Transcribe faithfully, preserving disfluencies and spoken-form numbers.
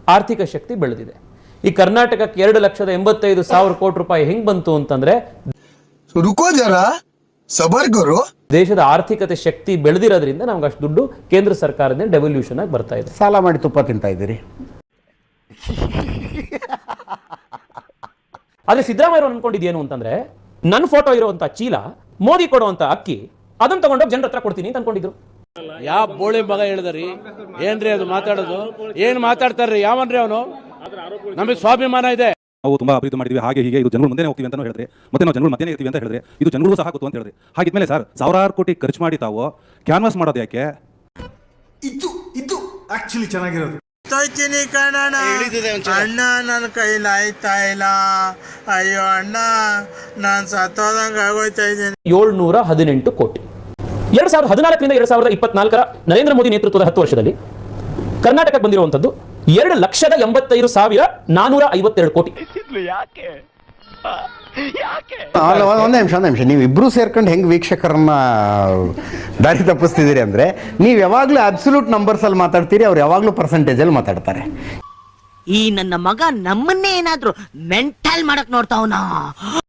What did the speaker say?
ಆರ್ಥಿಕ ಶಕ್ತಿ ಬೆಳೆದಿದೆ. ಈ ಕರ್ನಾಟಕಕ್ಕೆ ಎರಡು ಲಕ್ಷದ ಎಂಬತ್ತೈದು ಸಾವಿರ ಕೋಟಿ ರೂಪಾಯಿ ಹೆಂಗ್ ಬಂತು ಅಂತಂದ್ರೆ ರುಕೋ ಜರಾ ಸಬರ್ ಕರೋ. ದೇಶದ ಆರ್ಥಿಕತೆ ಶಕ್ತಿ ಬೆಳೆದಿರೋದ್ರಿಂದ ನಮ್ಗೆ ಅಷ್ಟು ದುಡ್ಡು ಕೇಂದ್ರ ಸರ್ಕಾರದಿಂದ ಡೆವಲ್ಯೂಷನ್ ಆಗಿ ಬರ್ತಾ ಇದೆ. ಸಾಲ ಮಾಡಿ ತುಪ್ಪ ತಿಂತಾ ಇದ್ದೀರಿ. ಆದ್ರೆ ಸಿದ್ದರಾಮಯ್ಯ ಅನ್ಕೊಂಡಿದ್ದೇನು ಅಂತಂದ್ರೆ ನನ್ನ ಫೋಟೋ ಇರುವಂತ ಚೀಲ, ಮೋದಿ ಕೊಡುವಂತ ಅಕ್ಕಿ, ಅದನ್ನ ತಗೊಂಡೋಗಿ ಜನರ ಹತ್ರ ಕೊಡ್ತೀನಿ ಅಂತ ಅನ್ಕೊಂಡಿದ್ರು. ಯಾವ ಬೋಳಿ ಮಗ ಹೇಳಿದ್ರಿ? ಏನ್ರಿ ಅದು ಮಾತಾಡೋದು? ಏನ್ ಮಾತಾಡ್ತಾರ್ರಿ? ಯಾವನ್ರಿ ಅವನು? ನಮಗೆ ಸ್ವಾಭಿಮಾನ ಇದೆ. ನಾವು ತುಂಬಾ ಅಭಿವೃದ್ಧಿ ಮಾಡಿದ್ವಿ, ಹಾಗೆ ಹೀಗೆ, ಇದು ಜನಗಳು ಮುಂದೆ ಹೋಗ್ತೀವಿ ಅಂತ ಹೇಳಿದ್ರೆ, ಮತ್ತೆ ನಾವು ಜನಗಳು ಮಧ್ಯೆ ಇರ್ತೀವಿ ಅಂತ ಹೇಳಿದ್ರೆ, ಇದು ಜನಗಳು ಸಹ ಗೊತ್ತು ಅಂತ ಹೇಳಿದ್ರೆ, ಹಾಗಿದ್ಮೇಲೆ ಸರ್ ಸಾವಿರಾರು ಕೋಟಿ ಖರ್ಚು ಮಾಡಿ ತಾವು ಕ್ಯಾನ್ವಾಸ್ ಮಾಡೋದು ಯಾಕೆ? ಇದು ಇದು ಆಕ್ಚುಲಿ ಚೆನ್ನಾಗಿರೋದು. ತೊಯ್ತೀನಿ ಕಣಣ್ಣ, ಅಣ್ಣ ನನ್ನ ಕೈಲಿ ಆಯ್ತಾ ಇಲ್ಲ, ಅಯ್ಯೋ ಅಣ್ಣ ನಾನು ಸತ್ತೋದಂಗೆ ಆಗೋಯ್ತಾ ಇದ್ದೀನಿ. ಏಳ್ನೂರ ಹದಿನೆಂಟು ಕೋಟಿ. ಎರಡ್ ಸಾವಿರದ ಹದಿನಾಲ್ಕರಿಂದ ಎರಡ್ ಸಾವಿರದ ಇಪ್ಪತ್ನಾಲ್ಕರ ನರೇಂದ್ರ ಮೋದಿ ನೇತೃತ್ವದ ಹತ್ತು ವರ್ಷದಲ್ಲಿ ಕರ್ನಾಟಕಕ್ಕೆ ಬಂದಿರುವಂತದ್ದು ಎರಡು ಲಕ್ಷದ ಎಂಬತ್ತೈದು ಸಾವಿರ ನಾನೂರ ಐವತ್ತೆರಡು ಕೋಟಿ. ಒಂದೇ ನಿಮಿಷ ಒಂದೇ ನಿಮಿಷ ನೀವು ಇಬ್ರು ಸೇರ್ಕೊಂಡು ಹೆಂಗ್ ವೀಕ್ಷಕರನ್ನ ದಾರಿ ತಪ್ಪಿಸ್ತಿದ್ದೀರಿ ಅಂದ್ರೆ, ನೀವು ಯಾವಾಗ್ಲೂ ಅಬ್ಸಲ್ಯೂಟ್ ನಂಬರ್ಸ್ ಅಲ್ಲಿ ಮಾತಾಡ್ತೀರಿ, ಅವ್ರು ಯಾವಾಗ್ಲೂ ಪರ್ಸೆಂಟೇಜ್ ಅಲ್ಲಿ ಮಾತಾಡ್ತಾರೆ. ಈ ನನ್ನ ಮಗ ನಮ್ಮನ್ನೇ ಏನಾದ್ರು ಮೆಂಟಲ್ ಮಾಡಕ್ ನೋಡ್ತಾವನಾ?